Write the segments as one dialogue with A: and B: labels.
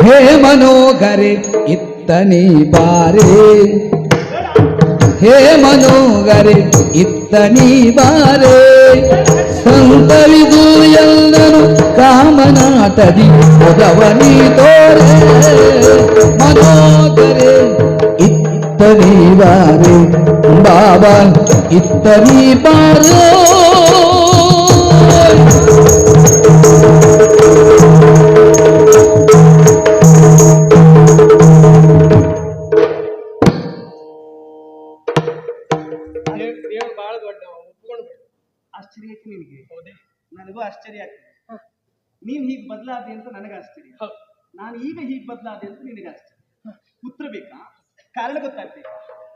A: ಹೇ ಮನೋಗರೆ ಇತ್ತನಿ ಬಾರೆ, ಹೇ ಮನೋಗರೆ ಇತ್ತನಿ ಬಾರೆ, ಸಂತವಿದು ಎಲ್ಲನು ಕಾಮನಾಟದಿ ಒದವನಿ ತೋರೆ, ಮನೋಗರೆ ಇತ್ತನಿ ಬಾರೆ, ಬಾಬಾ ಇತ್ತನಿ ಬಾರೋ.
B: ಆಶ್ಚರ್ಯ ಆಯ್ತು ನಿನಗೆ? ಹೌದೇ, ನನಗೂ ಆಶ್ಚರ್ಯ ಆಗ್ತದೆ. ನೀನ್ ಹೀಗೆ ಬದಲಾದೆ ಅಂತ ನನಗೆ ಆಶ್ಚರ್ಯ, ನಾನು ಈಗ ಹೀಗೆ ಬದಲಾದೆ ಅಂತ ನಿನಗೆ ಆಶ್ಚರ್ಯ. ಉತ್ತರ ಬೇಕಾ? ಕಾರಣ ಗೊತ್ತಾಗ್ಬೇಕು.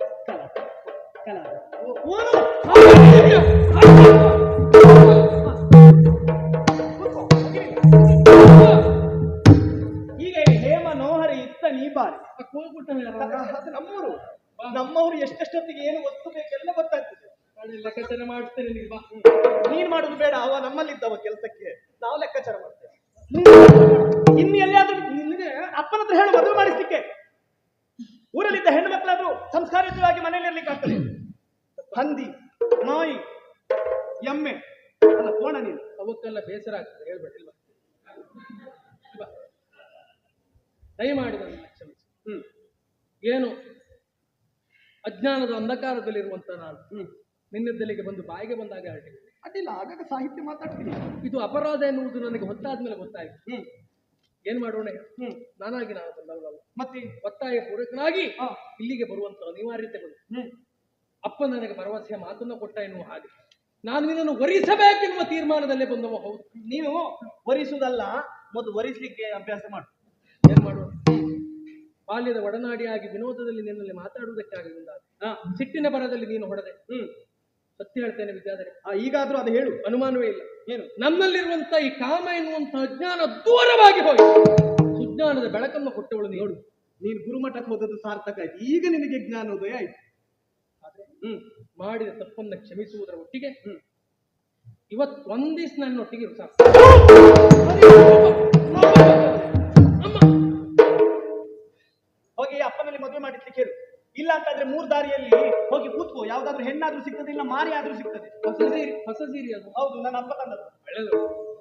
B: ಈಗ ಹೇ ಮನೋಹರಿ ಇತ್ತ ನೀ ಬಾರಿ, ನಮ್ಮೂರು ನಮ್ಮವರು ಎಷ್ಟೆಷ್ಟೊತ್ತಿಗೆ ಏನು ವಸ್ತು ಬೇಕೆಲ್ಲ ಗೊತ್ತಾಗ್ತದೆ. ಲೆಕ್ಕಾಚಾರ ಮಾಡ್ತೇನೆ. ನೀನ್ ಮಾಡುದು ಬೇಡ, ಅವ ನಮ್ಮಲ್ಲಿದ್ದವ ಕೆಲಸಕ್ಕೆ, ನಾವು ಲೆಕ್ಕಾಚಾರ ಮಾಡ್ತೇವೆ. ಇನ್ನು ಎಲ್ಲಿಯಾದ್ರೂ ನಿನಗೆ ಅಪ್ಪನ ಹತ್ರ ಹೇಳು ಮದುವೆ ಮಾಡಿಸ್ಲಿಕ್ಕೆ. ಊರಲ್ಲಿದ್ದ ಹೆಣ್ಣು ಮಕ್ಕಳಾದ್ರೂ ಸಂಸ್ಕಾರಯುತವಾಗಿ ಮನೆಯಲ್ಲಿರ್ಲಿಕ್ಕೆ ಆಗ್ತದೆ. ಹಂದಿ, ನಾಯಿ, ಎಮ್ಮೆ ಅಲ್ಲ ಕೋಣ, ನೀನು ಅವಕ್ಕೆಲ್ಲ ಬೇಸರ ಆಗ್ತದೆ. ಹೇಳ್ಬೇಡ, ದಯಮಾಡಿ ನನ್ನ ಕ್ಷಮಿಸಿ. ಏನು ಅಜ್ಞಾನದ ಅಂಧಕಾರದಲ್ಲಿರುವಂತ ನಾನು ನಿನ್ನದ್ದಲ್ಲಿಗೆ ಬಂದು ಬಾಯಿಗೆ ಬಂದಾಗ ಹೊರಟಿದ್ದೆ. ಅಡ್ಡಿಲ್ಲ, ಆಗಾಗ ಸಾಹಿತ್ಯ ಮಾತಾಡ್ತೀನಿ. ಇದು ಅಪರಾಧ ಎನ್ನುವುದು ನನಗೆ ಹೊತ್ತಾದ್ಮೇಲೆ ಗೊತ್ತಾಯ್ತು. ಏನ್ ಮಾಡೋಣ? ನಾನಾಗಿ ನಾನು ಬಂದವಲ್ಲ, ಮತ್ತೆ ಒತ್ತಾಯ ಪೂರಕನಾಗಿ ಇಲ್ಲಿಗೆ ಬರುವಂತ ಅನಿವಾರ್ಯತೆ ಬಂತು. ಅಪ್ಪ ನನಗೆ ಭರವಸೆಯ ಮಾತನ್ನ ಕೊಟ್ಟ ಎನ್ನುವ ಹಾಗೆ ನಾನು ನಿನ್ನನ್ನು ವರಿಸಬೇಕೆನ್ನುವ ತೀರ್ಮಾನದಲ್ಲೇ ಬಂದವ. ಹೌದು, ನೀನು ವರಿಸುವುದಲ್ಲ, ಮೊದಲು ವರಿಸಲಿಕ್ಕೆ ಅಭ್ಯಾಸ ಮಾಡು. ಏನ್ ಮಾಡೋಣ? ಬಾಲ್ಯದ ಒಡನಾಡಿಯಾಗಿ ವಿನೋದದಲ್ಲಿ ನಿನ್ನಲ್ಲಿ ಮಾತಾಡುವುದಕ್ಕಾಗಿ ಮುಂದಾದ ಸಿಟ್ಟಿನ ಬರದಲ್ಲಿ ನೀನು ಹೊಡೆದೆ. ಸತ್ಯ ಹೇಳ್ತೇನೆ ವಿದ್ಯಾಧರೆ, ಈಗಾದ್ರೂ ಅದು ಹೇಳು, ಅನುಮಾನವೇ ಇಲ್ಲ. ಏನು? ನಮ್ಮಲ್ಲಿರುವಂತ ಈ ಕಾಮ ಎನ್ನುವಂತ ಅಜ್ಞಾನ ದೂರವಾಗಿ ಹೋಗಿ ಸುಜ್ಞಾನದ ಬೆಳಕನ್ನು ಕೊಟ್ಟವಳು ನೋಡು. ನೀನು ಗುರುಮಠಕ್ಕೆ ಹೋದದ್ದು ಸಾರ್ಥಕ ಆಯ್ತು. ಈಗ ನಿನಗೆ ಜ್ಞಾನೋದಯ ಆಯ್ತು. ಆದ್ರೆ ಮಾಡಿದ ತಪ್ಪನ್ನ ಕ್ಷಮಿಸುವುದರ ಒಟ್ಟಿಗೆ ಇವತ್ತು ಒಂದಿವ್ಸ ನನ್ನೊಟ್ಟಿಗೆ ಸಾಕು. ಹೋಗಿ ಅಪ್ಪನಲ್ಲಿ ಮದುವೆ ಮಾಡಿಸ್ಲಿಕ್ಕೆ ಹೇಳು. ಇಲ್ಲ ಅಂತಾದ್ರೆ 3 ದಾರಿಯಲ್ಲಿ ಹೋಗಿ ಕೂತ್ಕೋ. ಯಾವ್ದಾದ್ರು ಹೆಣ್ಣಾದ್ರೂ ಸಿಗ್ತದೆ, ಇಲ್ಲ ಮಾರಿ ಆದ್ರೂ ಸಿಗ್ತದೆ. ಹೊಸ ಸೀರೆ ಅದು. ಹೌದು, ನನ್ನ ಅಪ್ಪ ತಂದದ್ದು. ಒಳ್ಳೆಯದು.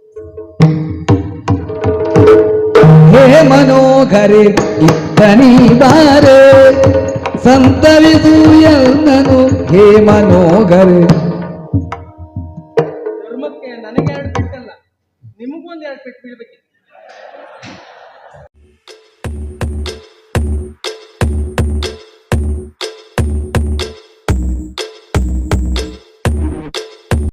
A: ಹೇ ಮನೋಗರೆ ಇತ್ತನಿ ಬಾರೆ, ಸಂತವಿದು ಎಲ್ಲನು ಹೇ ಮನೋಗರೆ